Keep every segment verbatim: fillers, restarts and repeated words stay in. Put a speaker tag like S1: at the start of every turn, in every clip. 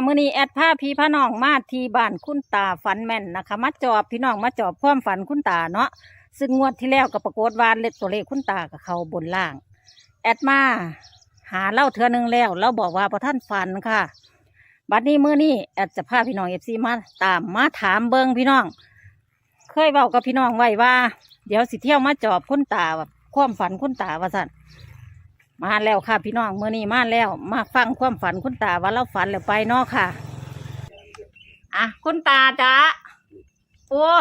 S1: มื้อนี้แอดพาพี่พาน้องมาที่บ้านคุณตาฝันแม่นนะคะมาจอบพี่น้องมาจอบความฝันคุณตาเนาะซึ่งงวดที่แล้วก็ปรากฏว่าเลขตัวเลขคุณตากับเขาบนล่าง แอดมาหาเล่าเทือนึงแล้วเราบอกว่าพอท่านฝันค่ะบัดนี้มื้อนี้แอดจะพาพี่น้องเอฟซีมาตามมาถามเบิงพี่น้องเคยบอกกับพี่น้องไว้ว่า เดี๋ยวสิเที่ยวมาจอบคุณตาแบบความฝันคุณตาว่าสั่นมาแล้วค่ะพี่น้องมื้อนี้มาแล้วมาฟังความฝันคุณตาว่าเราฝันแล้วไปเนาะค่ะอ่ะคุณตาจ้าโอ้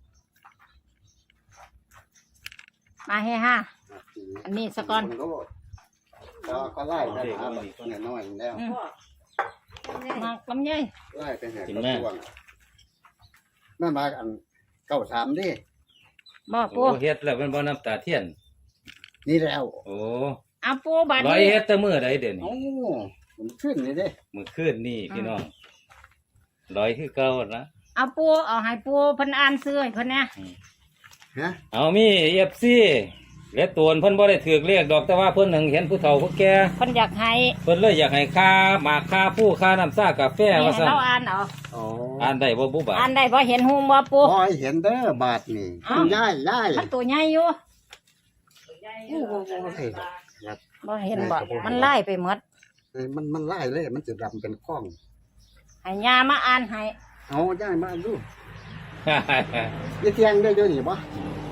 S1: มาเฮฮะอันนี้สกอน
S2: ก็ก็ไล่ไปหาแบบตัวน้อยๆแล้ว
S1: มาลำไย
S2: ไล่ไปหาตัวตัวนั่นมาอันเก้าสามดิ
S1: บ่ปู
S3: โอ้เฮ็ดแล้วเป็นบ่น้ำตาเทียน
S2: นี่แล้ว
S3: โอ้
S1: อ่ะปูบาด
S3: ร้อย
S1: นี้
S3: เฮ็ดแต่มื้อใดเด่น
S2: โอ้ผมขึ้นเลยเด้
S3: มื้อคืนนี่พี่น้องร้อยคือเก่านะ
S1: เอาปูเอาให้ปูเพิ่นอ่านซื้อให้เพิ่นเนี่ย
S2: ฮะ
S3: เอามี เอฟ ซี และตัวเพิ่นบ่ได้ถือเรียกดอกแต่ว่าเพิ่นหนึ่งเห็นผู้เฒ่าผู้แก่
S1: เพิ่นอยากให้
S3: เพิ่นเลยอยากให้ค่าหมากค่าผู้ค่าน้ำซ่ากาแฟ
S1: นี่
S3: ว่า
S1: ให้
S3: ซั่น
S1: เราอ่านเอา
S2: โอ้
S3: อ่านได้บ่บุบา
S1: อ่านได้บ่เห็นหูบ่ปู
S2: พอเห็นเด้อบาทนี่
S1: เอ้า
S2: ย่ายย่าย
S1: มันตัวใหญ่อยู่
S2: โอ้โหเห็นครับ
S1: บ่เห็นบ่มันไล่ไปหมด
S2: มันมันไล่เลยมันจะดำเป็นข้อง
S1: ให้ยามาอ่านให้
S2: เอาย่ายมาดูยี่เทียงได้ด้วยนี่บ่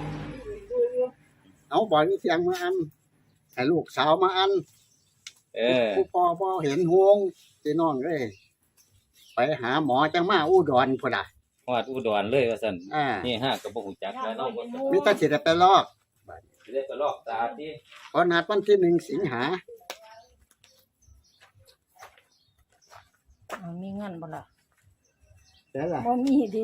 S2: เอาบ่อยยี่เทียงมาอันให้ลูกสาวมาอัน
S3: เออ
S2: ผู้พ่อพ่อเห็นห่วงพี่น้องเลยไปหาหมอจังมาอุดรพุ่นน่ะ
S3: ฮอดอุดรเลยว่าซั่น
S2: อ่า
S3: นี่ฮะก็บ่ฮู้จักแล้วเนาะบ่
S2: มีแตาสิได้ไปลอก
S3: สิได้ไปลอกตาติ
S2: เพราะนัดวันที่หนึ่งสิงหา
S1: เอามีเงินบ่ล่ะ
S2: แล้วล่ะ
S1: บ่มีดี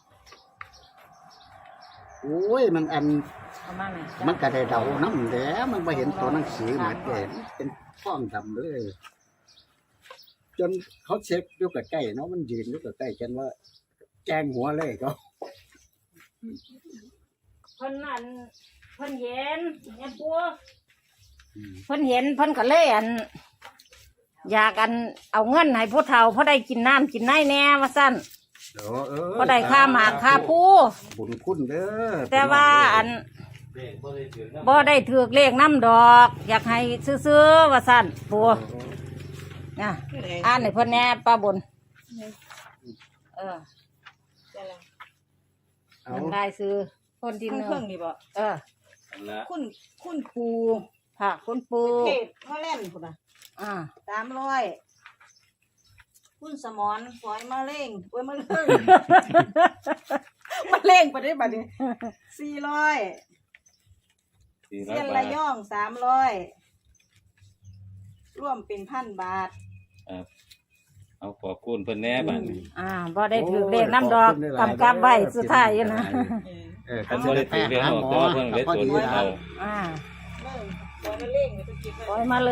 S2: โอ้ยมันอัน
S1: เอามาแม่
S2: มันก็ได้เดาน้ำแหล้วมันไปเห็นตัวหนังสือเหมือนกันเป็นฟ้องดำเลย จนเขาเช็คอยู่กับใกล้เนาะมันยืนอยู่กับใกล้กันว่า แจ้งหัวเลยเขา
S1: เพิ่นอันเพิ่นเห็นเนี่ยปูเพิ่นเห็นเพิ่นก็เลยอัน อยากอันเอาเงินให้ผู้เฒ่าเพราะได้กินน้ำกินไนแน่ว่าซั่น
S2: เออเออ
S1: เพราะได้ค่าหมากค่าผู้
S2: บุญคุณเด้อ
S1: แต่ว่าอัน
S3: เลขบ่ได้ถือนะ
S1: บ่ได้ถือเลขน้ำดอก อยากให้ซื้อๆว่าซั่นปูนะอ่านให้เพิ่นแหน่ป้าบนเออ
S2: เอา
S1: มันได้ซื้อคนที่หนึ่ง
S4: เครื่องนี่บ่
S1: เออ
S3: อันละ
S4: คุณคุณปู
S1: ค่ะคุณปู
S4: เทศฮอลแลนด์พุ่นน่ะ
S1: อ่า
S4: สามร้อยคุณสมอนฝอยมะเร็งเว้ยมะเร็ง มะเร็งไปได้บัดนี้สี่ร้อย
S3: สี่ร้อ
S4: เส้
S3: ย
S4: น
S3: บา
S4: ระ
S3: ท
S4: ย่องสามร้อยร่วมเป็นพันบาท
S3: ครับเอาขอบคุณเพิ่นแหน่บัดนี้
S1: อ่าบ่ได้ถือเลขน้ำดอกกำกับไว้สุดท้ายอยู่นะ
S2: เออ
S3: เพิ่นบ่ได้ถือเรียกดอกแต่ว่าเพิ่นได้ตัวผู้เฒ่า
S1: อ่า
S4: เริ่มฝอยมะเร็งไปตุกิน
S1: ปล่อยมาเลย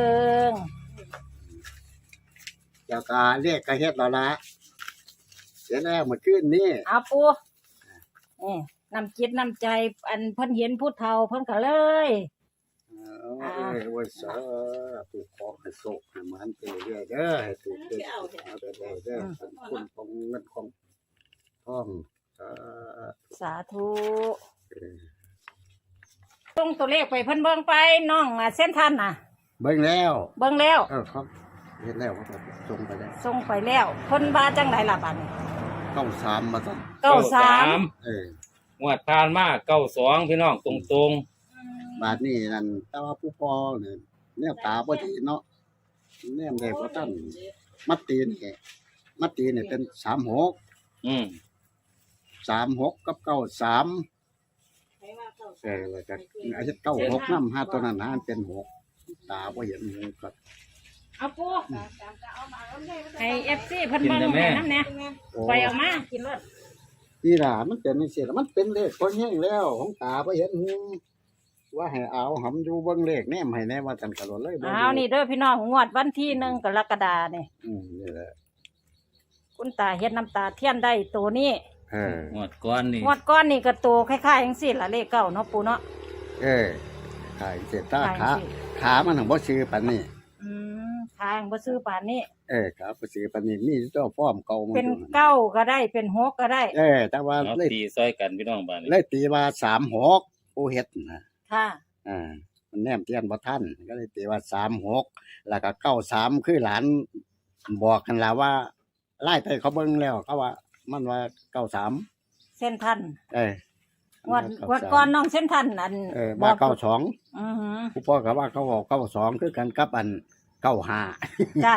S2: เจ้ากาเรียกกระเฮ็ดเราละเสียแล้วเมื่อคืนนี้
S1: เอาปูนี่นำจิตนำใจอันเพิ่นเห็นผู้เฒ่าเพิ่นก็เลย
S2: เออวันเสาร์ถูกของให้โศกให้มันไปเรื่อยเด้อให้ถูกเด้อเอาไปได้เด้อคุณของเงินของทองสา
S1: สาธุ
S2: ธุ
S1: ส่งตัวเลขไปเพิ่นเบิ่งไปน้องอ่ะเส้นทันน่ะ
S2: เบิ่งแล้ว
S1: เบิ่งแล้ว
S2: เออครับเห็นแล้วครับส่งไปแล้ว
S1: ส่งไปแล้วเพิ่นว่าจังไดล่ะบัดนี้
S2: ต้องสามมาสั่น
S1: เก้าสาม
S2: เออง
S3: วดผ่านมาเก้าสองพี่น้องตรง
S2: บาทนี้นั่นแต่ว่าผู้พ่อเนี่ยแนวตาบ่ดีเนาะแนมได้บ่ทันมัดตีนี่มัดตีนี่เป็นสามหก
S3: ๆอืม
S2: สามหกกับเก้าสามเออแล้วก็อาจจะเก้าหกน้ำห้าตัวนั้นห้าเป็นหกตาบ่เห็นหูก็
S1: เอาปูให้ เอฟ ซี เพิ่นเบิ่งให้นำแหน่
S2: โอ้
S1: ไปเอามากินรถ
S2: นี่ล่ะมันเป็นจังซี่ล่ะมันเป็นเลขพอแห้งแล้วของตาบ่เห็นหูว่าให้เอาหำอยู่เบิ่งเลขแนมให้แน่ว่าจันกะโดดเลยบ่
S1: เอานี่เด้อพี่น้องงวดวันที่หนึ่งกรกฎานี่
S2: อืมนี่แหละ
S1: คุณตาเฮ็ดน้ำตาเทียนได้ตัวนี้
S2: เออง
S3: วดก่อนนี่
S1: งวดก้อนนี่ก็ตัวคล้ายๆจังซี่ล่ะเลขเก้าเนาะปูเนาะ
S2: เออขายเสร็จตา
S1: คล้ายจั
S2: ขาง
S1: ซี่
S2: ขามันถึงบ่ชื่อปานนี้
S1: อืมขทางบ่ซื้อป่านนี้
S2: เออครับไปซื้อปานนี้มีเจ้าฟ้อมเก่ามา
S1: เป็น
S2: อยู่นั่น
S1: เก้าก็ได้เป็นหกก็ได้
S2: เออแต่ว่า
S3: เอา
S2: เลย
S3: ตีซอยกันพี่น้องบ้านนี้
S2: เลยตีว่าสามหกผู้เฮ็ดนะ
S1: ค่ะ
S2: อ่ามันแนมเทียนบ่ทันก็เลยตีว่าสามหกแล้วก็เก้าสามคือหลานบอกกันแล้วว่าไล่ไปเขาเบิ่งแล้วเขาว่า มันว่าเก้าสาม
S1: เส้นทัน
S2: เออง
S1: วดงวดก่อนน้องเส้นทันอัน
S2: เออว่าเก้าสอง
S1: อือหือ
S2: ผู้พ่อก็ว่าเขาบอกเก้าสองคือกันกับอันเก้าห้า
S1: จ้า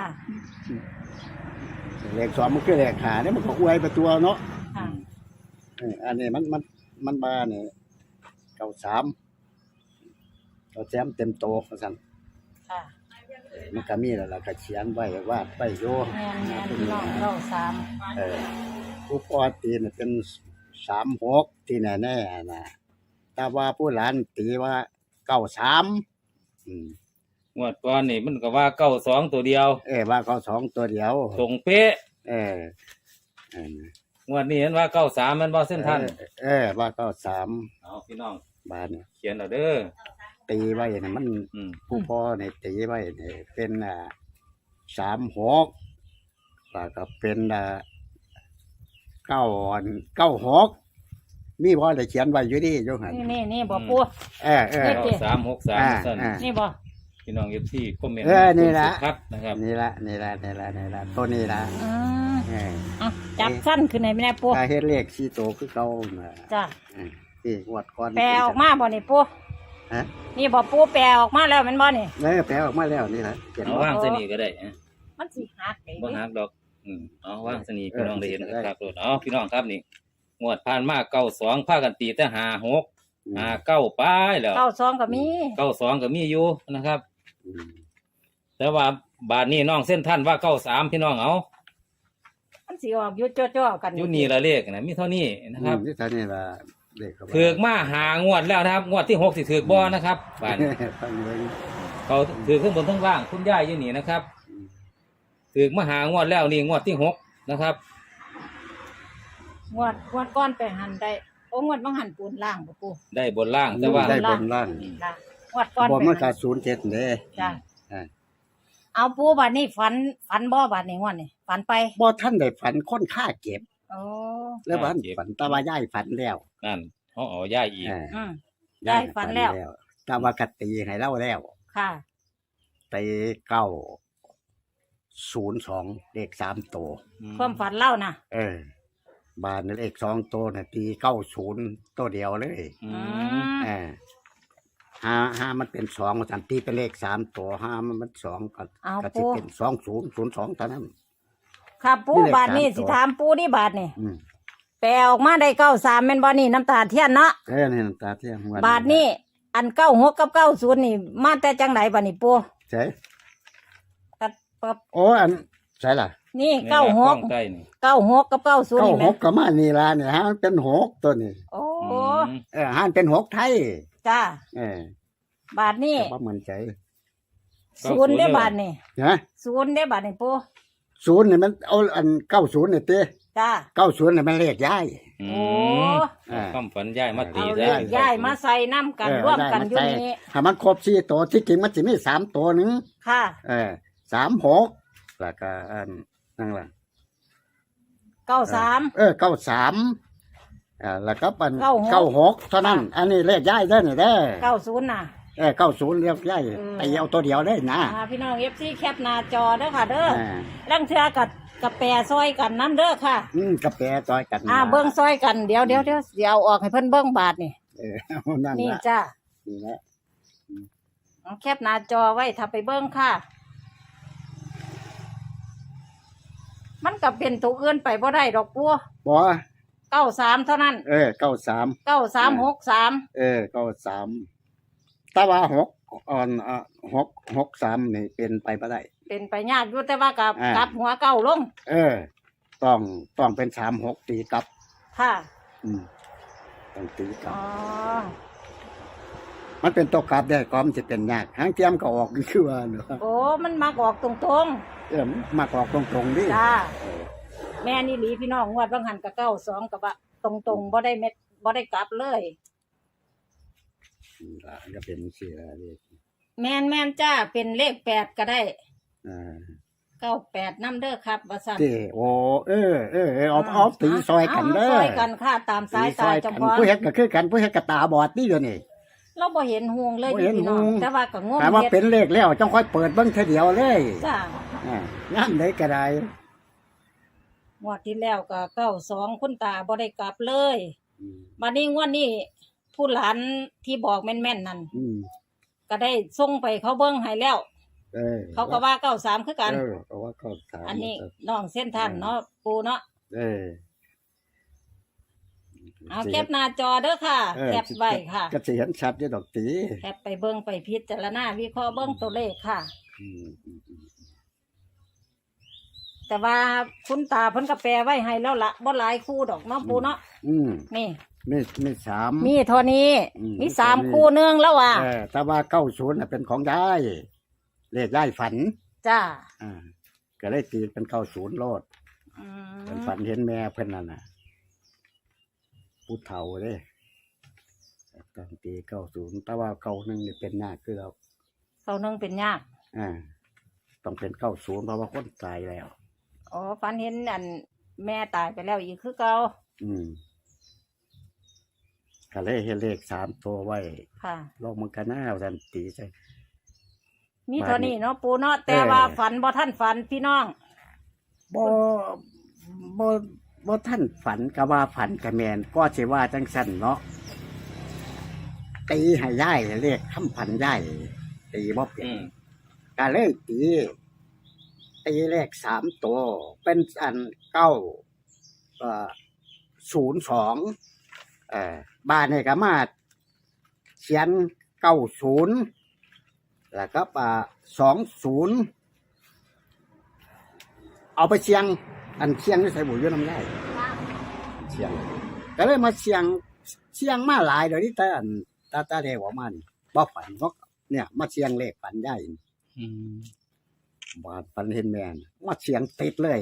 S2: เลขสองมันคือเลขหาเนี่ยมันก็อวยไปตัวเนาะ
S1: ค่ะ
S2: เอออันนี้มันมันมันมาเนี่ยเก้าสามเราแจมเต็มโตว่าซั่น
S1: ค่ะ
S2: มันก็มีแล้วล่ะก็เขียนไว้วาดไปโย
S1: แม่นแม่นพี่น้องเก้าสาม
S2: เออผู้พ่อตีเนี่ยเป็นสามหกที่แน่ๆนะแต่ว่าผู้หลานตีว่าเก้าสามอืม
S3: งวดก่อนนี่มันก็ว่าเก้าสองตัวเดียว
S2: เออว่าเขาสองตัวเดียว
S3: ตรงเป๊ะ
S2: เออเออง
S3: วดนี้เห็นว่าเก้าสามมันบ่เส้นทัน
S2: เออเออว่าเก้าสาม
S3: เอาพี่น้อง
S2: บาทเนี่ย
S3: เขียนเอาเด้อ
S2: ตีไว้เนี่ยมัน
S3: อืม
S2: ผู้พ่อเนี่ยตีไว้เนี่ยเป็นอ่าสามหกแล้วก็เป็นอ่าเก้าอันเก้าหกมีพ่อได้เขียนไว้อยู่ดีโยหัน
S1: นี่นี่นี่บ่ปู
S2: เออเออ
S1: นี่
S3: เก้าสามหกสาม
S2: อ่า
S3: สั้น
S2: อ่า
S1: นี่บ่
S3: พี่น้องเอฟซีคอมเมนต์
S2: เออนี่ล่ะ
S3: ครับนะครับ
S2: นี่ละนี่ละนี่ละนี่ละตัวนี้ละ
S1: อืม
S2: เออ
S1: อ่ะจับสั้นขึ้นไหนไม่ได้ปู
S2: ถ้าเฮ็ดเลขสี่ตัวคือเก่าน่ะ
S1: จ้า
S2: เออที่งวดก่อน
S1: แปลออกมาบ่นี่ปู
S2: ฮะ
S1: นี่บ่ปูแปลออกมาแล้วแมันบ่นี่
S2: เออแปลออกมาแล้วนี่ล่ะเขียน
S3: เอา
S2: ว่า
S3: ว่างสนีก็ได้นะ
S1: มันสิหักได้
S3: บ่
S1: ดิ
S3: ฮักดอก อืมเอาว่างสนี
S2: เออ
S3: พี่น้องได้เห็น
S2: ได้
S3: ครับรถเอาพี่น้องครับนี่งวดผ่านมาเก้าสองพากันตีแต่หาหกหาเก้าป้ายแล้ว
S1: เก้าสองก็มี
S3: เก้าสองก็มีอยู่นะครับ
S2: อืม
S3: แต่ว่าบาทนี้น้องเส้นท่านว่าเก้าสามพี่น้องเอา
S1: มันสิออกอยู่จ่อๆกัน
S3: อยู่นี่ละเลขนะมีเท่านี้นะครับ
S2: อืมนี่เท่านี้ล่ะเลขเขาว่า
S3: ถือกมาหางวดแล้วนะครับ งวดที่หกสิถือกบ่นะครับบาทนี้
S2: ฟังเบิ่ง
S3: เขาถือขึ้นบนทั้งล่างคุณย่ายอยู่นี่นะครับ
S2: อืม
S3: ถือกมาหางวดแล้วนี่งวดที่หกนะครับ
S1: งวดงวดก้อนไปหันได้โอ้งวดบางหันปูนล่างบ่ปู
S3: ได้บนล่างแต่ว่า
S2: ได้บนล่าง
S1: ล่างงวดก้อน
S2: บ่
S1: ไป
S2: มันก็
S1: หัน
S2: ศูนย์เจ็ดเด้
S1: จ้า
S2: อ่า
S1: เอาปูบัดนี้ฝันฝันบ่บัดนี้งวดนี้ฝันไป
S2: บ่ท่านได้ฝันคนฆ่าเก็บ
S1: โอ้
S2: แล้วบ้าน
S3: ฆ่าเก็บ
S2: ฝันแตาว่าย่ายฝันแล้ว
S3: นั่นเขาเอาย่ายอีก
S2: เออ
S1: อืมได้ฝันแล้ว
S2: แตาว่ากตีให้เล่าแล้ว
S1: ค่ะ
S2: ตีเก้าศูนย์สองเลขสามตัว
S1: ความฝันเล่านะ
S2: เออ บานเลขสองตัวน่ะตีเก้าศูนย์ตัวเดียวเลย
S3: อื
S1: อื
S3: ม
S1: ม
S2: เออห้าห้ามันเป็นสองสันตีเป็นเลขสามตัวห้ามันมันสองก็
S1: เอา
S2: ก็
S1: ปู
S2: จะเป็นสองศูนย์ศูนย์สองเท่านั้น
S1: ครับปู
S2: นี่เลข
S1: บาดนี้
S2: สามตัว
S1: สิถามปูนี่บาดนี่
S2: อืม
S1: แปลออกมาได้เก้าสามแม่นบ่นี่น้ำตาเทียนเนาะ
S2: เออนี่น้ำตาเที่ยงวัน
S1: บาทนี่อันเก้าหกกับเก้าศูนย์นี่มาแต่จังไหนบาทนี่ปู
S2: ใช่
S1: ตัดปับ
S2: โอ้อันใช่ล่ะ
S1: นี่เก้าหก
S3: ใกล้นี่
S1: เก้าหกกับเก้าศูนย์
S2: เก้า
S1: นี่
S2: ห
S1: แม่
S2: กก็มานี่ละเนี่ยฮะมันเป็นหกตัวนี่
S1: โอ้
S3: อืม
S2: เออฮะมันเป็นหกไทย
S1: จ้า
S2: เออบ
S1: าทนี่
S2: แต่ว่าเหมือนใจ
S1: ศูนย์ได้บาทนี่
S2: นะ
S1: ศูนย์ได้บาทนี่ปู
S2: ศูนย์เนี่ยมันเอาอันเก้าศูนย์เนี่ยเต้
S1: จ้า
S2: เก้าศูนย์เนี่ยมันเลขย้าย
S3: อื
S1: โอ้
S3: ม
S2: อ่า
S3: ความฝันย่ายมาตี
S1: เอา
S3: ได้
S1: เลขย้ายมาใส่น้ำกัน
S2: เออ
S1: ร่วมกัน
S2: ได้
S1: อยู่
S2: มาใส่
S1: นี่
S2: ถ้ามันครบสี่ตัวที่จริงมันจะมีสามตัวหนึ่ง
S1: ค่ะ
S2: เออสามหกแล้วก็อันนั่นแหละ
S1: เก้าสาม
S2: เออเก้าสามอ่าแล้วก็เป็น
S1: เก้าหก
S2: เก้าหกเท่านั้น อันนี้เลขย้ายได้เนี่ยเด้อ
S1: เก้าศูนย์น่ะ
S2: เออเก้าศูนย์เลขย้าย
S1: เออ
S2: ไปเอาตัวเดียวเลยนะ
S1: อ่าพี่น้องเอฟซีแคปหน้าจอเด้อค่ะ เด้อ
S2: อ่า
S1: ลังเทือกับกับแปรซอยกันน้ำเด้อค่ะ
S2: อืมกาแฟจอยกัน
S1: อ่า
S2: นะ
S1: เบิ้งซอยกันเดี๋ยวเดี๋ยวเดี๋ยวเดี๋ยวเอาออกให้เพิ่นเบิ้งบาทนี่
S2: เออเอานั่น
S1: นี่
S2: ละ
S1: จ้า
S2: นี่ละ
S1: เอาแคปหน้าจอไว้ถ้าไปเบิ้งค่ะ มันก็เป็นตัวอื่นไปบ่ได้ดอกปัว
S2: บอ
S1: เก้าสามเท่านั้น
S2: เออเก้าสาม
S1: เก้าสามหกสาม
S2: เออเก้าสามแต่ว่าหกอ่อนอ่ะหกหกสามนี่เป็นไปไม่ได้
S1: เป็นไปยากอยู่แต่ว่ากับ
S2: อ่า
S1: กลับหัวเก้าลง
S2: เออ ต้องต้องเป็นสามหกตีกลับ
S1: ค่ะ
S2: อืมต้องตีกลั
S1: อ๋
S2: บ
S1: อ
S2: มันเป็นตัวกลับได้ก็มันจะเป็นยากหางเทียมก็ออกคือว่าเนอะ
S1: โอ้มันมักออกตรง
S2: เออมากออกตรงๆดิ
S1: ๆจ้าแม่นี่หลีพี่น้องงวดบางหันกับเก้าสองกับว่าตรงๆบ่ได้เม็ดบ่ได้กลับเลย
S2: อืมอ่ะก็เป็นสี่ละเลข
S1: แม่นแม่นจ้าเป็นเลขแปดก็ได้
S2: เออ
S1: เก้าแปดน้ำเด้อครับว่าซั่น
S2: เด้โอ้เออเออเออเอาเอาตีซอยกันเด้
S1: า
S2: อ
S1: ซอยกันค่ะตามสาย
S2: ตีซ
S1: ตา
S2: อย
S1: เจ้า
S2: กัน
S1: ของ
S2: ผู้เฮ็ดก็คือกันผู้เฮ็ดก็ตาบอดนี่เดี๋ยวนี้
S1: เราบ่เห็นห่วงเลย
S2: บ่เห็น
S1: พี่น้อง
S2: ห่วง
S1: แต่ว่าก็งม
S2: แต่ว่า
S1: เฮ็ด
S2: เป็นเลขแล้วจังค่อยเปิดเบิ่งเทอเดียวเลย
S1: จ้า
S2: อ่าย่ามใดก็ได้
S1: งวดที่แล้วก็เก้าสองคุณตาบ่ได้กลับเลย
S2: อืม
S1: บัดนี้งวดนี้ผู้หลานที่บอกแม่นๆนั่น
S2: อืม
S1: ก็ได้ส่งไปเขาเบิ่งให้แล้ว
S2: เออ
S1: เขาก็ว่าเก้าสามคือกัน
S2: เออเพราะว่าเขาถาม
S1: อันนี้น้องเส้นท่านเนาะปูเนาะ
S2: เออ
S1: เอาแคปหน้าจอเด้อค่ะ
S2: เออ
S1: แคปไว้ค่ะ
S2: ก็สิเห็นชัดอยู่ดอกตี
S1: แคปไปเบิ่งไปพิจารณาวิเคราะห์เบิ่งตัวเลขค่ะ
S2: อืมอืมอืม
S1: แต่ว่าคุณตาเพิ่นก็แปลไว้ให้แล้วละบ่หลายคู่ดอกเนาะปูเนาะ
S2: อืม
S1: นี่
S2: มีมีสาม
S1: มีเท่านี้
S2: อืม
S1: มีสาม
S2: มีเท่านี้
S1: คู่เนื่องแล้วว่ะ
S2: เออแต่ว่าเก้าศูนย์น่ะเป็นของยายเลขยายฝัน
S1: จ้า
S2: อ่าก็เลยตีเป็นเก้าศูนย์โลด
S1: อื
S2: เป็น
S1: ม
S2: ฝันเห็นแม่เพิ่นนั่นน่ะผู้เฒ่าเด้ตั้งตีเก้าศูนย์แต่ว่าเก้าหนึ่งนี่เป็นยากคือเรา
S1: เขานึงเป็นยาก
S2: อ่าต้องเป็นเก้าศูนย์เพราะว่าคนตายแล้ว
S1: อ๋อฝันเห็นอันแม่ตายไปแล้วอีกคือเก่า
S2: อืมก็เลยเห็นเลขสามตัวไว้
S1: ค่ะ
S2: ลองมันกันหน้าเอาทันตีใส่
S1: มีเท่านี้เนาะปูเนาะแต่
S2: เออ
S1: ว่าฝันบ่ท่านฝันพี่น้อง
S2: บ่บ่บ่ท่านฝันก็ว่าฝันกะแมนก็สิว่าจังซั่นเนาะตีให้ย่ายเลขคำพันย่ายตีบ่เป็
S3: อื
S2: น
S3: ม
S2: ก็เลยตีตีเลขสามตัวเป็นอันเก้าเอ่อศูนย์สองเอ่อบ้านนี่ก็มาเขียนเก้าศูนย์แล้วก็อ่าสองศูนย์เอาไปเชียง อันเชียงนี่ใส่บุญยน้ำได้เชียง ก็เลยมาเชียงเชียงมาหลายเดี๋ยวนี้แต่อันตาตาเดวออกมานี่บ่ฝันบ่เนี่ย มาเชียงเลขฝันได้
S3: อืม
S2: บาดฝันเห็นแม่นมาเชียงติดเลย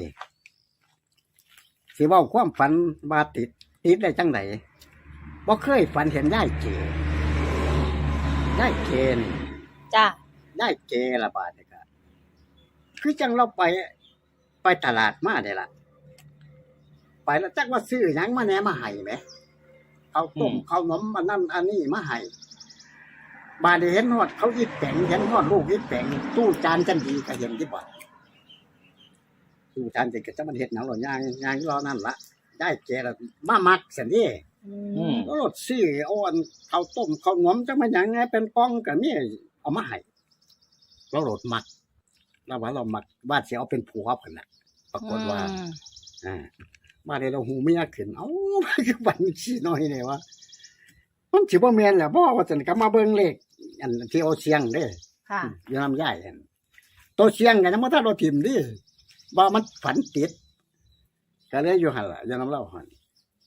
S2: สิเว้าความฝันบาดติด ติดได้จังไดบ่เคยฝันเห็นยายเกยายเกนี่
S1: จ้า
S2: ได้เจละบาทนี่ครับคือจังเราไปไปตลาดมาได้ละไปแล้วจักว่าซื้อหยังมาแหนมาให้ไหมเขาวต้มเขาวนมอันนั้นอันนี้มาให้บาดนี้เห็นฮอดเขาอีแปงเห็นฮอดลูกอีแปงตู้จานจันดีก็เห็นที่บ่ตู้จานจันก็จะมันเฮ็ดหนังหรอย่างย่างรอนั่นละได้เจละมามักเสียนี่
S3: อืม
S2: รถซื้อเอาอันเขาวต้มเขาวนมจังมาหยังไงเป็นกล่องก็มีเอามาให้ เราโหลดมักเราว่าเรามักว่าสิเอาเป็นผัวเพิ่นน่ะปรากฏว่า
S1: อืม
S2: อ่ามาได้เราหูเมียขึ้นเอ้าคือบัญชีน้อยนี่ว่ามันสิบ่แม่นแหละบ่ว่าซั่นก็มาเบิ่งเลขอันที่เอาเสียงเด้
S1: ค่ะ
S2: อยู่นำยายอันตัวเสียงก็ยังบ่ทันเราทิ่มดิว่ามันฝันติดก็เลยอยู่หั่นล่ะอยู่นำเราหั่น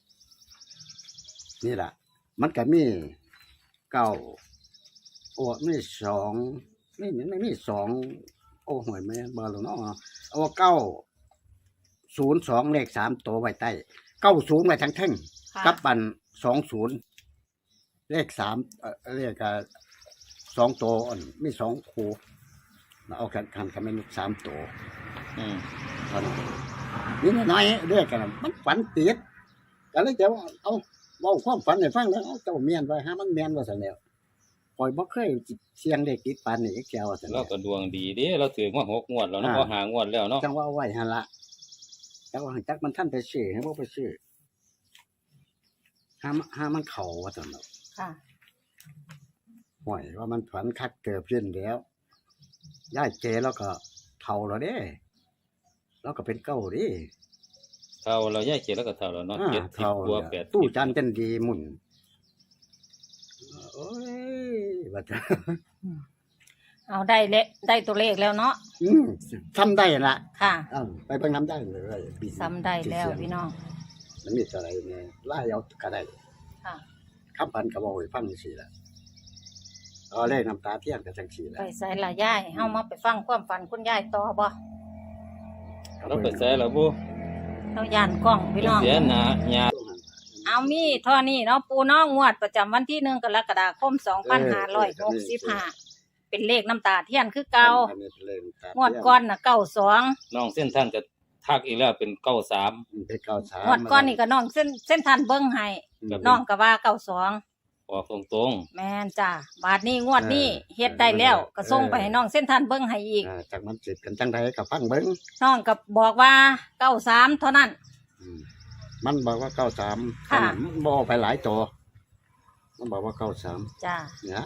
S2: นี่ล่ะ มันก็มีเก้าโอ้มีสองนี่ไม่มีสองโอ้หวยแม่บ่รู้เนาะเอาเก้าศูนย์สองเลขสามตัวไว้ใต้เก้าศูนย์ไว้ทั้งแท่ง
S1: ค่ะ
S2: กับปันสองศูนย์เลขสามเอ่อเลขอ่าสองตัวอ่อนมีสองคู่เอากันกันกันไม่มีสามตัว
S3: อืม
S2: เท่านั้นนี่น้อยๆเรียกกันมันฝันติดก็เลยจะว่าเอาเว้าความฝันให้ฟังแล้วเอาเจ้าเมียนไว้หามันแม่นว่าซั่นแล้วปล่อยบ่เคยเสียงเลขติดปานนี้แกว่าซั่น
S3: เรา
S2: แล้ว
S3: ก็ดวงดีเด้เราถือว่าหกงวดแล้วเนาะ
S2: อ่า
S3: พอหางวดแล้วเนาะ
S2: จังว่าเอาไว้หั่นละจังว่าจักมันท่านไปซื้อให้บ่ไปซื้อหาหามันเข้าว่าซั่นเนาะ
S1: ค่ะ
S2: ห่วยว่ามันฝันคักเกิบขึ้นแล้วย่ายเจแล้วก็เท่าแล้วเด้แล้วก็เป็นเก้าดิ
S3: เท่าเราแยกเจ็ดแล้วก็เท่าแล้วเนาะ
S2: อ่า
S3: เจ็ดสิบ
S2: เท่าก
S3: ว่า
S2: แล้ว
S3: แปดสิบ
S2: ตู้จันจันดีหมุนโอ้ยว่าจะ
S1: เอาได้เลได้ตัวเลขแล้วเนาะ
S2: อืมทำได้ละ
S1: ค่ะ
S2: เอ้าไปเบิ่งน้ำได้เลยปี
S1: ซ้ำได้แล้วพี่น้อง
S2: มันมีอะไรเนี่ยไล่เอาก็ได้
S1: ค่ะ
S2: คำพันก็บอกให้ฟังสิละเอาเลขน้ำตาเทียนกับจังสีละ
S1: ไปใส่ละย่ายเฮามาไปฟังความฝันคุณยายต่อบ่
S3: เราเปิดแซ่แล้วบุ
S1: เราย่านกล้องพี่น้อง
S3: เสียหนาหยา
S1: เอามีเท่านี้เนาะปูน้องงวดประจำวันที่หนึ่งกรกฎาคมสองพันห้าร้อยหกสิบห้าเป็นเลขน้ำตาเทียนคือเก่า
S2: อันนี้เล่นตาม
S1: งวดก้อนน่ะเก้าสอง
S3: น้องเส้นท่านก็ทักอีกแล้วเป็นเก้าสาม
S2: เป็นเก้าสาม
S1: งวดก้อนนี่ก็น้องเส้นเส้นทันเบิ้งให้
S3: ครับ
S1: น้องก็ว่าเก้าสอง
S3: ออกตรง
S1: แม่นจ้าบาทนี้งวดนี้เฮ็ดได้แล้วก็ส่งไปให้น้องเส้นทันเบิ้งให้อีก
S2: อ่าจากมันสิเป็นจังไดก็ฟังเบิ่ง
S1: น้องก็บอกว่าเก้าสามเท่านั้น
S2: อืมมันบอกว่าเก้าสาม
S1: ค่ะ
S2: มันบอกไปหลายตัวมันบอกว่าเก้าสาม
S1: จ้า
S2: เนี่ย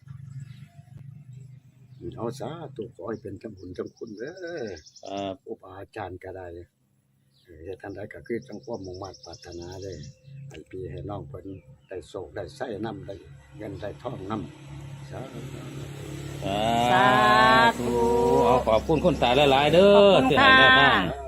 S2: เอาซะตัวขอให้เป็นจำบุญจำคุณเด้อ
S3: ๆเอ่อ
S2: อุปาจารย์ก็ได้เออท่านใดก็คือจังความมุ่งมั่นปรารถนาได้ให้พี่ให้น้องเพิ่นได้โศกได้ไส้น้ำได้เงินได้ทองน้ำสาธุ
S1: สาธุ
S3: เอาขอบคุณคุณตาหลายๆเด้
S1: ขอบ
S3: อ
S1: คุณ
S3: ที่ให้แนวทาง
S1: ค่ะ